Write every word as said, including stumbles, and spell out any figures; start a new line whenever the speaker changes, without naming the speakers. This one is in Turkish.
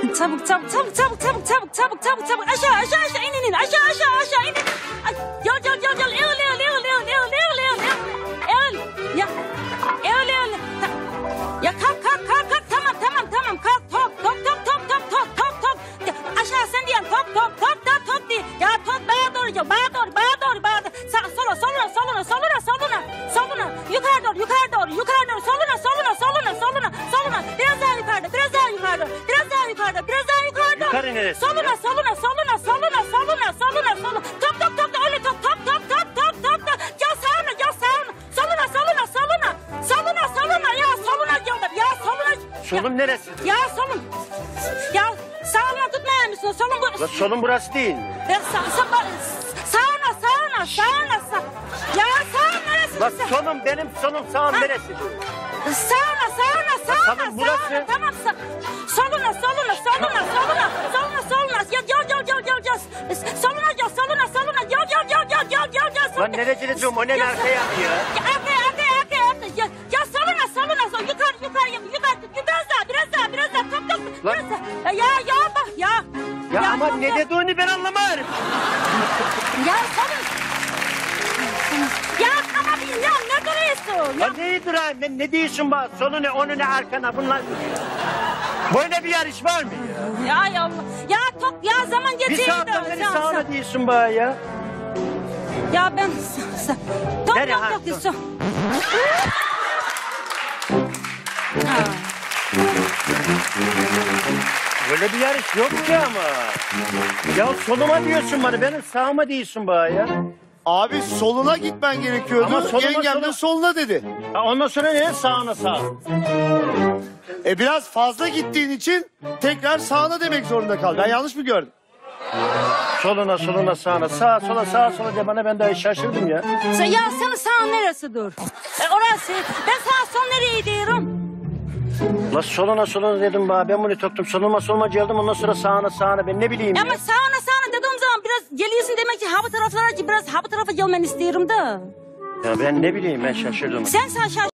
Çabuk çabuk çabuk çabuk çabuk çabuk çabuk çabuk çabuk aşağı aşağı aşağı in in in aşağı aşağı aşağı in in. Ay, Yol yol yol yol eğil eğil eğil eğil eğil eğil eğil eğil. Eğil ya eğil eğil. Ya kalk kalk kalk kalk tamam tamam tamam kalk top top top top top top top top. Ya, aşağı sen diyen top top top top top diye. Ya top bana doğru gel bana doğru bana doğru bana doğru. Sağ sola soluna soluna soluna soluna soluna yukarı doğru yukarı doğru yukarı doğru soluna soluna soluna soluna soluna biraz daha yukarıda biraz daha yukarıda biraz daha yukarıda biraz daha yukarıda.
Yukarı neresi?
Soluna soluna soluna soluna soluna soluna soluna top top top öyle top top top top top top top. Ya sağına ya sağına soluna soluna soluna soluna soluna ya soluna yolda ya soluna.
Solun neresi?
Ya solun. Ya sağına tutmayar mısın? Solun bu.
La solun burası değil.
Ya sağ, sağ, sağına sağına sağına sağ. Ya sağın neresi?
La
Sağ-
solum benim solum sağım
Ha.
neresi?
Sağına sağına sağına
tamam, burası.
sağına tamam sağ. Soluna soluna soluna soluna soluna soluna ya yol yol yol yol yol soluna yol soluna soluna yol yol yol yol yol yol yol
Lan nereye diyorum o ne
Ya,
arkaya yapıyor?
Ya arkaya arkaya arkaya arkaya ya, ya soluna soluna sol yukarı yukarı yukarı biraz daha biraz daha biraz daha top top
Lan.
biraz daha ya ya bak ya
Ya, ama
top,
ne
top.
dediğini ben anlamadım.
Ya solun ya ama bir ya ne duruyorsun ya
Ya neyi durayım ben ne diyorsun bak sonu ne onu ne arkana bunlar. Böyle bir yarış var mı ya?
ya ya Allah ya top ya zaman
Bir
geçiyor
saatten beri sağına diyorsun bana ya.
ya ben sa- sa- top
Nereye
top
ha,
top
top?
diyorsun. Ha.
Böyle bir yarış yok ki ama. Ya soluma diyorsun bana benim sağıma diyorsun bana ya.
Abi soluna gitmen gerekiyordu.
Ama soluma,
Yengem
soluma.
de soluna dedi.
Ha, ondan sonra ne sağına sağ.
E biraz fazla gittiğin için tekrar sağına demek zorunda kaldın. Ben yanlış mı gördüm?
Soluna soluna sağına sağa sola sağa sola diye bana ben daha şaşırdım ya.
Sen, ya senin sağın neresi dur? E, orası. Ben sağ sol nereye diyorum?
La soluna soluna dedim bana ben bunu toktum soluma soluma geldim ondan sonra sağına sağına ben ne bileyim
Ama
ya.
sağına sağına dediğim zaman biraz geliyorsun demek ki ha bu taraflara biraz ha bu tarafa gelmeni istiyorum da.
Ya ben ne bileyim ben şaşırdım.
Sen sağ şaş